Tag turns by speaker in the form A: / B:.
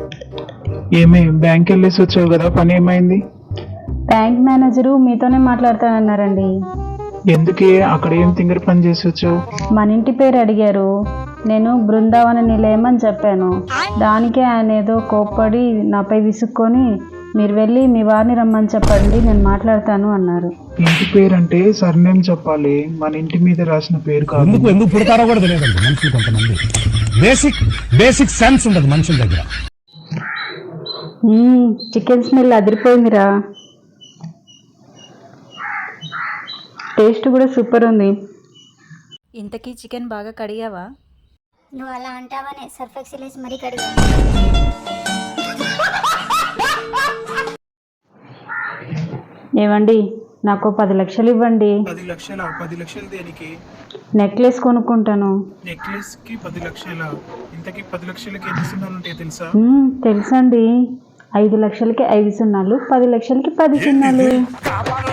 A: ఏమే బ్యాంక్ వెళ్ళేసి వచ్చావు కదా, పని ఏమైంది?
B: బ్యాంక్ మేనేజరు మీతోనే మాట్లాడతానన్నారండి.
A: ఎందుకే అక్కడ ఏం తింగర పని చేసి వచ్చావు?
B: మన ఇంటి పేరు అడిగారు, నేను బృందావన నిలయం అని చెప్పాను. దానికే ఆయన ఏదో కోప్పడి నాపై విసుక్కొని మీరు వెళ్ళి మీ వారిని రమ్మని చెప్పండి, నేను మాట్లాడతాను అన్నారు.
A: ఇంటి పేరు అంటే సర్నేమ్ చెప్పాలి, మన ఇంటి మీద రాసిన పేరు కాదు.
C: ఎందుకు పుడతారో కూడా తెలియదండి మనుషులు. కొంతమంది బేసిక్ సెన్స్ ఉండదు మనుషుల దగ్గర.
B: చికెన్ స్మెల్ అదిరిపోయిందిరా, టేస్ట్ కూడా సూపర్ ఉంది.
D: ఇంతకీ చికెన్ బాగా కడిగావా?
E: నువ్వు అలా అంటావనే సర్ఫ్ ఎక్సెల్ వేసి మరీ కడిగా.
B: ఏవండి, నాకు 10 లక్షలు ఇవ్వండి.
A: 10 లక్షలా? 10 లక్షలు దేనికి?
B: నెక్లెస్ కొనుక్కుంటాను.
A: నెక్లెస్ కి 10 లక్షలా? ఇంతకీ 10 లక్షలకి ఎన్ని సున్నాలు ఉంటాయో తెలుసా?
B: తెలుసండి, 5 లక్షలకి 5 సున్నాలు, 10 లక్షలకి 10 సున్నాలు.